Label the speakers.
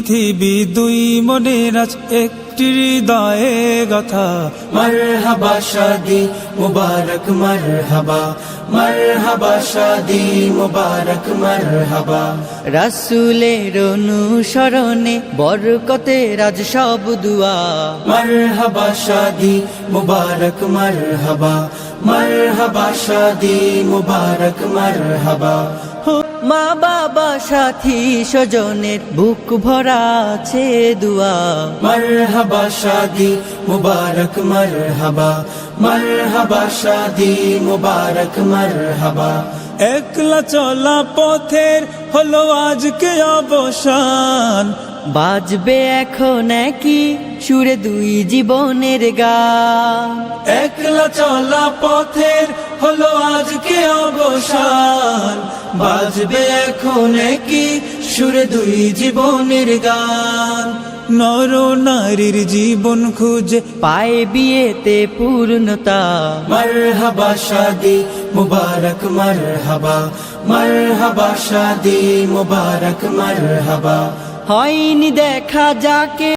Speaker 1: পৃথিবী দুই মনের আজ একটি হৃদয়ে গাথা।
Speaker 2: মারহাবা শাদি মুবারক মারহাবা, মারহাবা শাদি মুবারক মারহাবা।
Speaker 3: রাসূলের অনুসরণে বরকতের আজ সব দুয়া।
Speaker 2: মারহাবা শাদি মুবারক মারহাবা, মারহাবা শাদি মুবারক মারহাবা।
Speaker 3: মা বাবা সাথী স্বজনের বুক ভরা আছে দুয়া।
Speaker 2: মারহাবা শাদি মুবারক মারহাবা, মারহাবা শাদি মুবারক মারহাবা।
Speaker 1: একলা চলা পথের হলো আজকে অবসান,
Speaker 3: বাজবে এখন কি সুরে দুই জীবনের গান।
Speaker 1: একলা চলা পথের হলো আজকে অবসান, বাজবে এখন কি সুরে দুই জীবনের গান। নর নারীর জীবন খুঁজে
Speaker 3: পায় বিয়েতে পূর্ণতা।
Speaker 2: মারহাবা শাদি মুবারক মারহাবা, মারহাবা শাদি মুবারক মারহাবা।
Speaker 3: হয়নি দেখা যাকে